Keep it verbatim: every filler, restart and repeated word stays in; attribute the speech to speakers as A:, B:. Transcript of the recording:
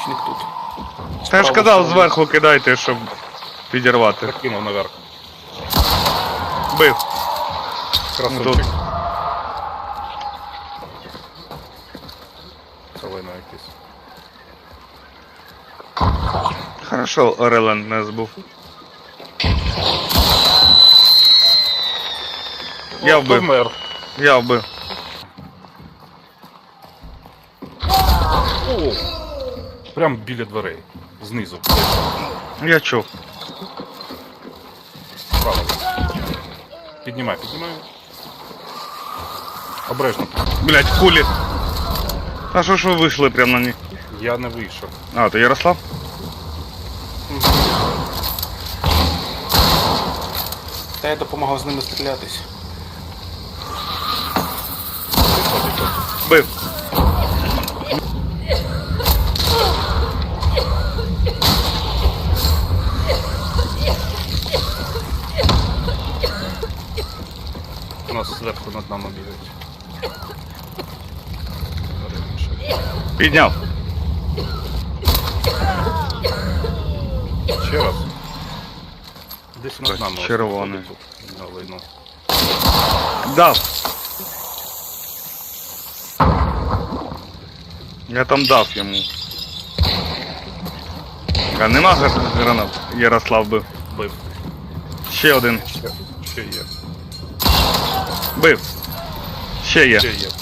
A: лучник тут.
B: Та я ж
A: Справа
B: казав,
A: справа.
B: зверху кидайте, щоб підірвати.
C: Закинув наверх.
B: Бив.
C: Красунчик. Салина якийсь.
B: Хорошо, Орелен не збув. Я
C: О,
B: вбив.
C: помер.
B: Я вбив.
C: О! Прям біля дверей. Знизу.
B: Я чув.
C: Справа. Піднімай, піднімай. Обережно.
B: Блять, кулі. А що ж ви вийшли прямо на них?
C: Я не вийшов.
B: А, то Ярослав?
A: Та я допомагав з ними стрілятись.
B: Бив.
C: У нас зверху над нами бігають.
B: Підняв.
C: Ще раз. Десь над
B: Ось
C: нами. ось
B: червоний.
C: виходить тут, на лайну.
B: Дав. Я там дав йому. А нема гр- гранат? Ярослав бив.
C: Бив.
B: Ще один.
C: Ще, ще є.
B: Бив. Ще є.
C: Ще є.